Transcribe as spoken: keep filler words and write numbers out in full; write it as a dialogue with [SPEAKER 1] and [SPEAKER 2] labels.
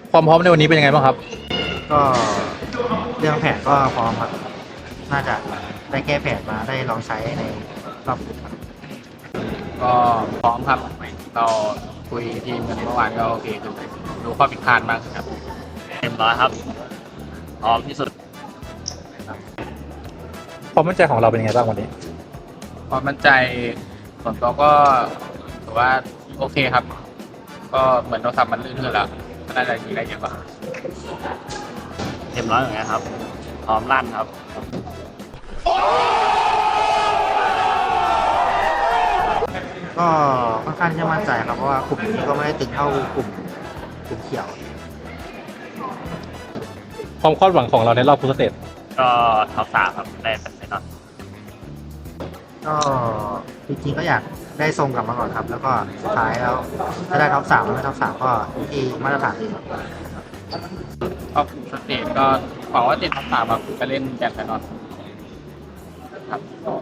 [SPEAKER 1] ความพร้อมในวันนี้เป็นยังไงบ้างครับ
[SPEAKER 2] ก็เรื่องแผนก็พร้อมครับน่าจะได้แก้แผนมาได้ลองใช้ในรอบ
[SPEAKER 3] ก็พร้อมครับเราคุยทีมกันเมื่อวานก็โอเคดูดูข้อผิดพลาดมากครับเต็มร้อยครับพร้อมที่สุด
[SPEAKER 1] ความมั่นใจของเราเป็นยังไงบ้างวันนี้
[SPEAKER 3] ความมั่นใจส่วนตัวก็ถือว่าโอเคครับ ก็เหมือนเราทำมันลื่นขึ้นแล้วก็น่าจะยิงได้เยอะกว่าเต็มร้อยเหมือนกันครับพร้อมลั่นครับ
[SPEAKER 2] ก็ค่อนข้างที่จะมั่นใจครับเพราะว่ากลุ่มนี้ก็ไม่ได้ตึงเท่ากลุ่มกลุ่มเขียว
[SPEAKER 1] ความคาดหวังของเราในรอบพุทธสเตจ
[SPEAKER 3] ก็ท็อปสามครับได้เป็นแน่นอน
[SPEAKER 2] ก็จริงๆก็อยากได้ทรงกลับมาก่อนครับ แล้วก็สุดท้ายแล้วถ้าได้ท็อปสามไม่ท็อปสามก็ที่มาตรฐานดีครับ
[SPEAKER 3] ก็สเตจก็หวังว่าติดท็อปสามครับไปเล่นแบดแน่นอนครับ